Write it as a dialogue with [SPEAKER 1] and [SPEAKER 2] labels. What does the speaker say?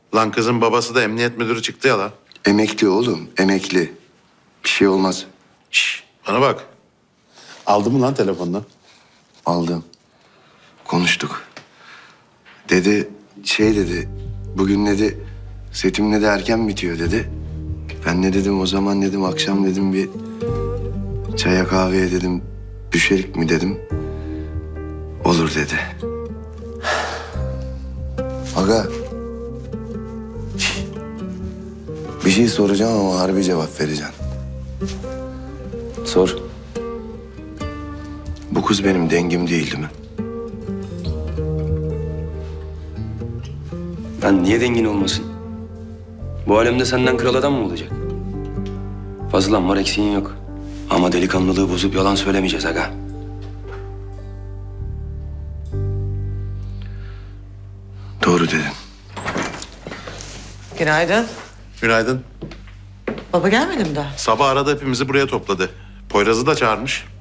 [SPEAKER 1] Lan kızın babası da emniyet müdürü çıktı ya lan.
[SPEAKER 2] Emekli oğlum, emekli. Bir şey olmaz.
[SPEAKER 1] Şş, bana bak. Aldı mı lan telefonunu?
[SPEAKER 2] Aldım. Konuştuk. Dedi, dedi. Bugün dedi, setim dedi erken bitiyor dedi. Ben ne dedim o zaman dedim, akşam dedim bir çaya kahveye dedim, düşerik mi dedim. Olur dedi. Aga. Bir şey soracağım ama harbi cevap vereceksin. Sor. Bu kız benim dengim değil mi?
[SPEAKER 3] Lan niye dengin olmasın? Bu alemde senden kral adam mı olacak? Fazlan var, eksiğin yok. Ama delikanlılığı bozup yalan söylemeyeceğiz aga.
[SPEAKER 2] Doğru dedin.
[SPEAKER 4] Günaydın.
[SPEAKER 1] Günaydın.
[SPEAKER 4] Baba gelmedi mi daha?
[SPEAKER 1] Sabah arada hepimizi buraya topladı. Poyraz'ı da çağırmış.